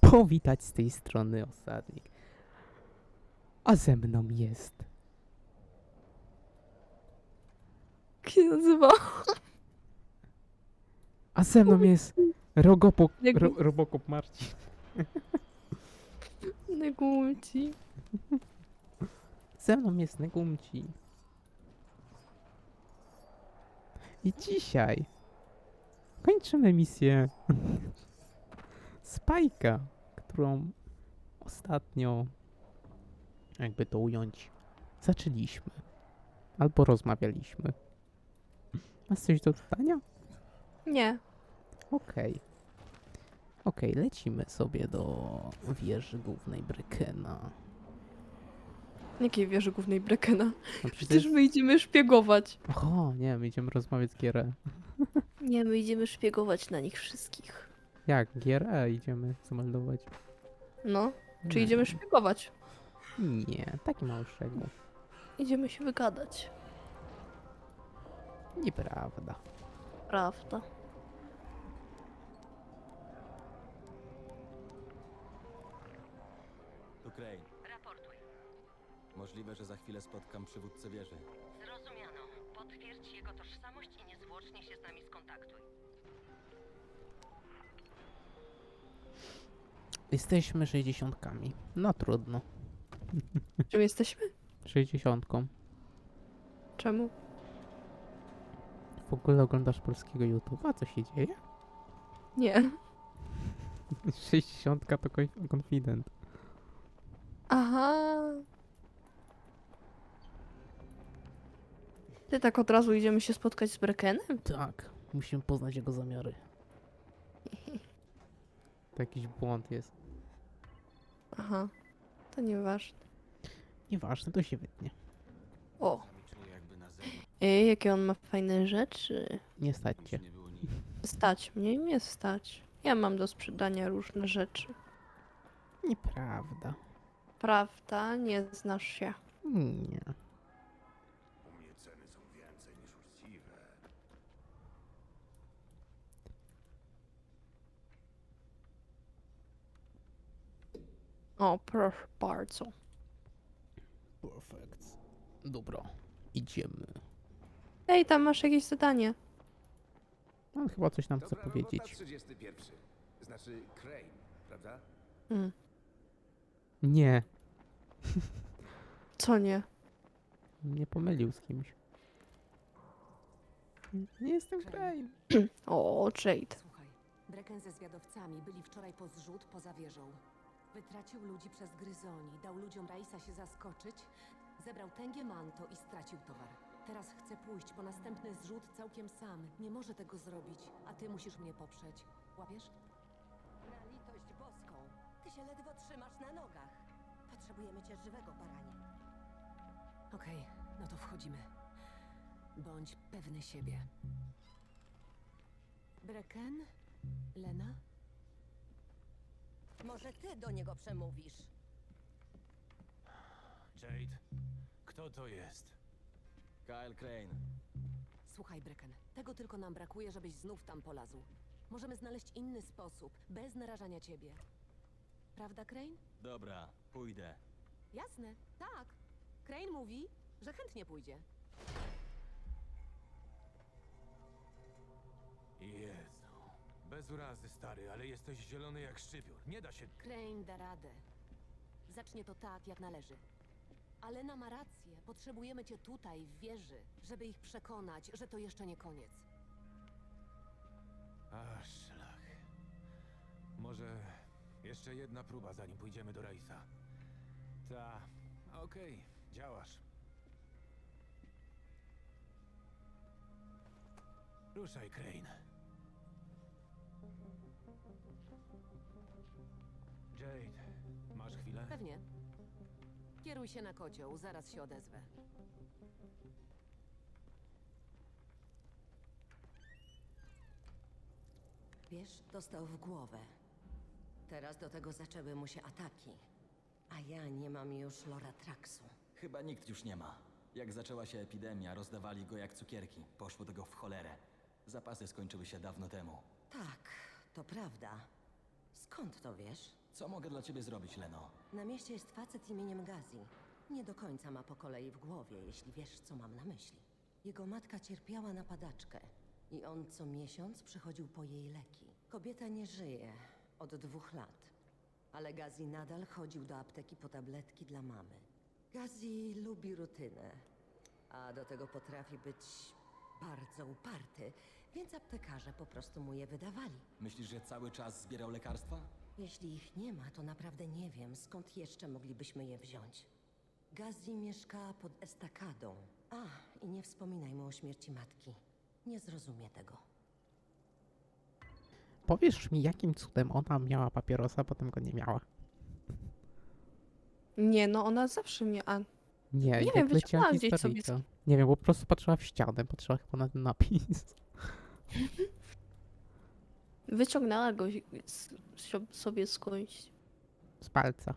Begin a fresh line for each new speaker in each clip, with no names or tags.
powitać z tej strony osadnik. A ze mną jest...
Jak się nazywa?
A ze mną jest Robocop Marcin.
Negumci.
Ze mną jest Negumci. I dzisiaj kończymy misję Spajka, którą ostatnio, jakby to ująć, zaczęliśmy. Albo rozmawialiśmy. Masz coś do dodania?
Nie.
Okej. Okej, lecimy sobie do wieży głównej Brekena.
Jakiej wieży głównej Brekena?
No
Przecież my idziemy szpiegować.
O, nie, my idziemy rozmawiać z GRE.
Nie, my idziemy szpiegować na nich wszystkich.
Jak? GRE idziemy zameldować.
No. Czy
Nie.
idziemy szpiegować?
Nie, taki mały szczegół.
Idziemy się wygadać.
Nieprawda.
Prawda.
Tu Crane.
Raportuj.
Możliwe, że za chwilę spotkam przywódcę wieży.
Zrozumiano. Potwierdź jego tożsamość i niezwłocznie się z nami skontaktuj.
Jesteśmy 60-kami. No trudno.
Czym jesteśmy?
60.
Czemu?
W ogóle oglądasz polskiego YouTube'a? Co się dzieje?
Nie.
60 to confident.
Aha. Ty tak od razu idziemy się spotkać z Brekenem?
Tak, musimy poznać jego zamiary. To jakiś błąd jest.
Aha. To nieważne.
Nieważne, to się wytnie.
O.
Czuję jakby na zewnątrz
Jakie on ma fajne rzeczy.
Nie stać cię.
nie było nic.
Stać mnie, nie stać. Ja mam do sprzedania różne rzeczy.
Nieprawda.
Prawda? Nie znasz się.
Nie.
U mnie ceny są więcej niż uczciwe.
O, proszę bardzo.
Perfect. Dobra, idziemy.
Ej, tam masz jakieś zadanie.
On chyba coś nam chce
Dobra robota,
powiedzieć.
31. Znaczy Crane, prawda?
Mm.
Nie,
Co nie?
nie pomylił z kimś. Nie jestem Crane.
O, Jade.
Słuchaj, Brecken ze zwiadowcami byli wczoraj po zrzut poza wieżą. Wytracił ludzi przez gryzoni, dał ludziom Raisa się zaskoczyć, zebrał tęgie manto i stracił towar. Teraz chce pójść po następny zrzut całkiem sam. Nie może tego zrobić, a ty musisz mnie poprzeć. Łapiesz? Na litość boską. Ty się ledwo trzymasz na nogach. Potrzebujemy cię żywego, baranie. Okej, no to wchodzimy. Bądź pewny siebie. Brecken? Lena?
Może ty do niego przemówisz?
Jade, kto to jest?
Kyle Crane.
Słuchaj, Brecken, tego tylko nam brakuje, żebyś znów tam polazł. Możemy znaleźć inny sposób, bez narażania ciebie. Prawda, Crane?
Dobra, pójdę.
Jasne, tak. Crane mówi, że chętnie pójdzie.
Jezu. Bez urazy, stary, ale jesteś zielony jak szczypior. Nie da się...
Crane da radę. Zacznie to tak, jak należy. Alena ma rację. Potrzebujemy cię tutaj, w wieży, żeby ich przekonać, że to jeszcze nie koniec.
A, szlach. Może jeszcze jedna próba, zanim pójdziemy do Raisa. Ta, okej, działasz. Ruszaj, Crane. Jade, masz chwilę?
Pewnie. Kieruj się na kocioł, zaraz się odezwę.
Wiesz, dostał w głowę. Teraz do tego zaczęły mu się ataki. A ja nie mam już Loratraxu.
Chyba nikt już nie ma. Jak zaczęła się epidemia, rozdawali go jak cukierki. Poszło tego w cholerę. Zapasy skończyły się dawno temu.
Tak, to prawda. Skąd to wiesz?
Co mogę dla ciebie zrobić, Leno?
Na mieście jest facet imieniem Gazi. Nie do końca ma po kolei w głowie, jeśli wiesz, co mam na myśli. Jego matka cierpiała na padaczkę i on co miesiąc przychodził po jej leki. Kobieta nie żyje od 2 lat, ale Gazi nadal chodził do apteki po tabletki dla mamy. Gazi lubi rutynę, a do tego potrafi być bardzo uparty, więc aptekarze po prostu mu je wydawali.
Myślisz, że cały czas zbierał lekarstwa?
Jeśli ich nie ma, to naprawdę nie wiem, skąd jeszcze moglibyśmy je wziąć. Gazi mieszka pod estakadą. A, i nie wspominaj mu o śmierci matki. Nie zrozumie tego.
Powiesz mi, jakim cudem ona miała papierosa, a potem go nie miała?
Nie, no ona zawsze miała.
Nie,
Nie
jak
wiem,
leciała
wyciągnęła gdzieś sobie
historyjka. Nie wiem, bo po prostu patrzyła w ścianę, patrzyła chyba na ten napis.
Wyciągnęła go sobie skądś.
Z palca.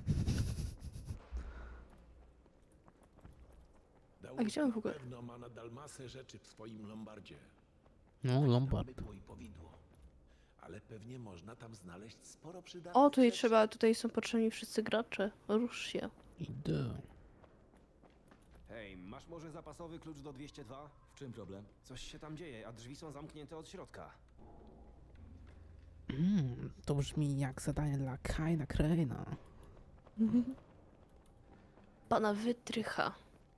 A gdzie on w ogóle?
Na pewno ma nadal masę rzeczy w swoim lombardzie.
No, Lombard.
Bydło i powidło. Ale pewnie można tam znaleźć sporo przydatnych
O, tutaj
rzeczy.
tutaj są potrzebni wszyscy gracze. Rusz się.
Idę.
Hej, masz może zapasowy klucz do 202?
W czym problem?
Coś się tam dzieje, a drzwi są zamknięte od środka.
To brzmi jak zadanie dla Kaina Crane'a.
Pana wytrycha.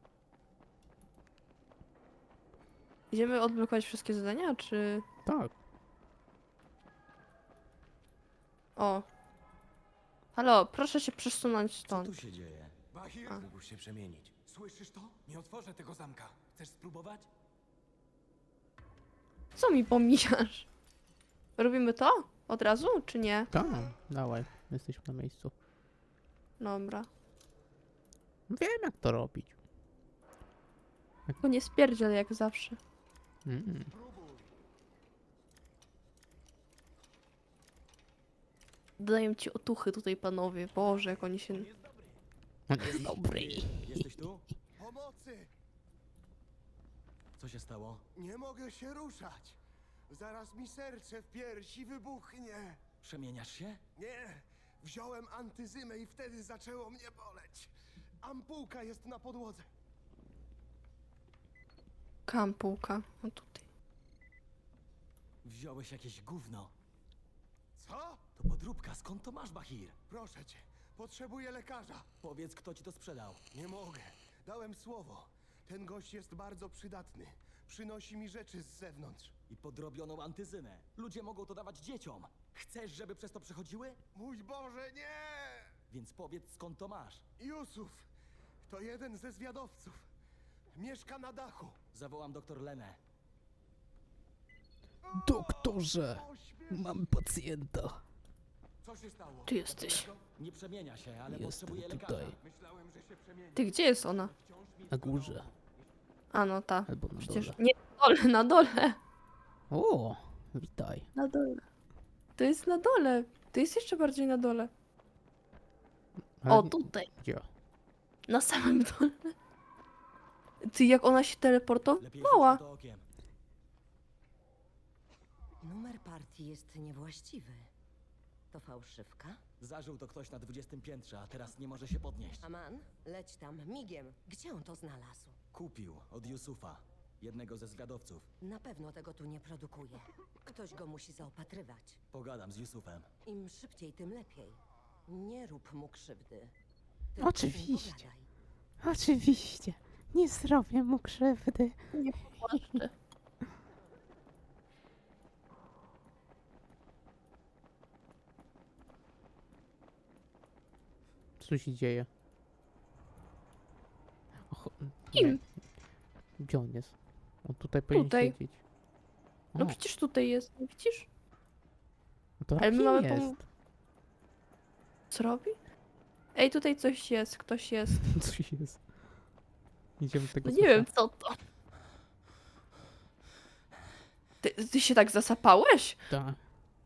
Idziemy odblokować wszystkie zadania, czy...
Tak.
O. Halo, proszę się przesunąć
Co
stąd.
tu się dzieje?
Bahir,
A.
Mógł się przemienić.
słyszysz to? Nie otworzę tego zamka. Chcesz spróbować?
Co mi pomijasz? Robimy to? Od razu, czy nie?
Tak, dawaj. Jesteśmy na miejscu.
Dobra.
Wiem, jak to robić.
Tylko nie spierdziel jak zawsze. Daję ci otuchy tutaj, panowie. Boże, jak oni się...
On jest dobry.
Jesteś tu?
Pomocy!
Co się stało?
Nie mogę się ruszać. Zaraz mi serce w piersi wybuchnie.
Przemieniasz się?
Nie, wziąłem antyzymę i wtedy zaczęło mnie boleć. Ampułka jest na podłodze.
Kampułka. O tutaj.
Wziąłeś jakieś gówno.
Co?
To podróbka, skąd to masz, Bahir?
Proszę cię, potrzebuję lekarza.
Powiedz, kto ci to sprzedał.
Nie mogę. Dałem słowo. Ten gość jest bardzo przydatny. Przynosi mi rzeczy z zewnątrz.
I podrobioną antyzynę. Ludzie mogą to dawać dzieciom. Chcesz, żeby przez to przechodziły?
Mój Boże, nie!
Więc powiedz, skąd to masz.
Jusuf, to jeden ze zwiadowców. Mieszka na dachu.
Zawołam doktor Lenę.
Doktorze,
Ośmiesz-
mam pacjenta.
Co się stało?
Ty jesteś.
Nie przemienia się, ale
Jestem
potrzebuje
tutaj.
lekarza.
Myślałem, że się przemieni.
Ty, gdzie jest ona?
Na górze.
A no ta.
Albo na
Przecież...
dole.
Nie, na dole, na dole.
O, witaj.
Na dole. To jest na dole. To jest jeszcze bardziej na dole.
Ale
O,
nie-
tutaj.
Gdzie?
Na samym dole. Ty, jak ona się
Lepiej
teleportowała.
rzuć na to okiem.
Numer partii jest niewłaściwy. To fałszywka?
Zażył to ktoś na 20 piętrze, a teraz nie może się podnieść.
Aman, leć tam, migiem. Gdzie on to znalazł?
Kupił od Yusufa, jednego ze zwiadowców.
Na pewno tego tu nie produkuje. Ktoś go musi zaopatrywać.
Pogadam z Yusufem.
Im szybciej, tym lepiej. Nie rób mu krzywdy. Tylko z nim
Oczywiście.
pogadaj.
Oczywiście. Nie zrobię mu krzywdy.
Nie płaszczę.
Co się dzieje? Och,
Kim?
nie. Gdzie on jest? On tutaj powinien
Tutaj.
siedzieć. O,
No przecież tutaj jest, nie widzisz?
no to
ale my
kim
mamy
jest?
Co robi? Ej, tutaj coś jest, ktoś jest.
Coś jest. Idziemy tego
No nie wiem co to. Ty się tak zasapałeś?
Tak.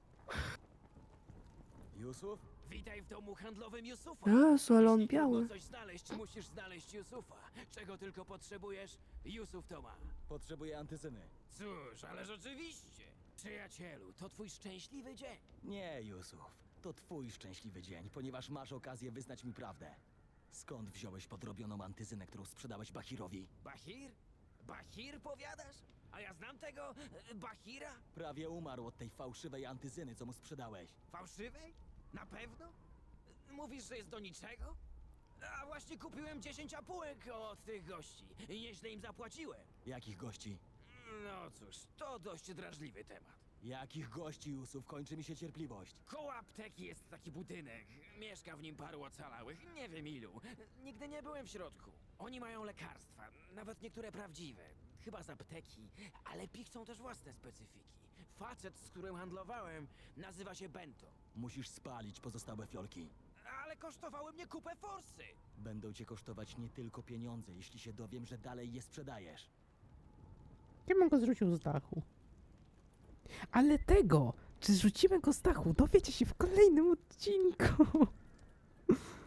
Yusuf?
Witaj w domu handlowym Yusufa.
Jezu, ale on
Jeśli
biały.
trudno coś znaleźć, musisz znaleźć Yusufa. Czego tylko potrzebujesz, Yusuf to ma.
Potrzebuję antyzyny.
Cóż, ależ oczywiście. Przyjacielu, to twój szczęśliwy dzień.
Nie, Yusuf. To twój szczęśliwy dzień, ponieważ masz okazję wyznać mi prawdę. Skąd wziąłeś podrobioną antyzynę, którą sprzedałeś Bahirowi?
Bahir? Bahir powiadasz? A ja znam tego Bahira?
Prawie umarł od tej fałszywej antyzyny, co mu sprzedałeś.
Fałszywej? Na pewno? Mówisz, że jest do niczego? A właśnie kupiłem 10 apułek od tych gości i nieźle im zapłaciłem.
Jakich gości?
No cóż, to dość drażliwy temat.
Jakich gości, Yusuf? Kończy mi się cierpliwość.
Koło apteki jest taki budynek. Mieszka w nim paru ocalałych, nie wiem ilu. Nigdy nie byłem w środku. Oni mają lekarstwa, nawet niektóre prawdziwe. Chyba z apteki, ale pichcą też własne specyfiki. Facet, z którym handlowałem, nazywa się Bento.
Musisz spalić pozostałe fiolki.
Ale kosztowały mnie kupę forsy.
Będą cię kosztować nie tylko pieniądze, jeśli się dowiem, że dalej je sprzedajesz.
Ja bym go zrzucił z dachu. Ale tego, czy zrzucimy go z dachu, dowiecie się w kolejnym odcinku.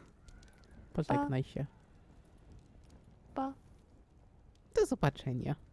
Pożegnaj się.
Pa.
Do zobaczenia.